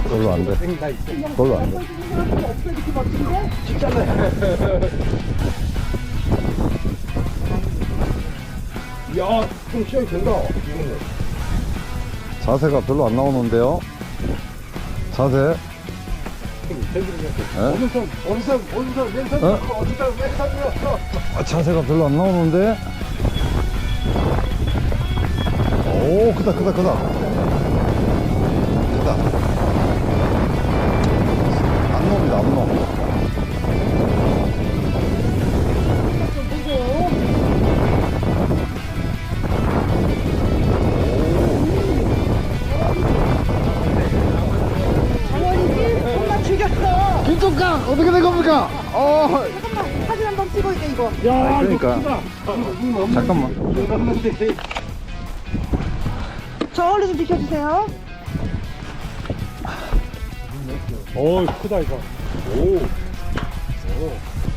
별로 안 돼. 별로 안 돼. 야, 좀 시험이 된다. 자세가 별로 안 나오는데요. 자세. 원선, 왼선, 어? 어디다 왼선이었어. 자세가 별로 안 나오는데. 오, 크다. 크다. 안 놈이다, 안 놈. 엄마 죽였어. 김종강 어떻게 된 겁니까? 잠깐만 사진 한번 찍어야 돼 이거. 야, 그러니까. 잠깐만. 저 얼른 좀 비켜주세요. 오, 크다 이거. 오.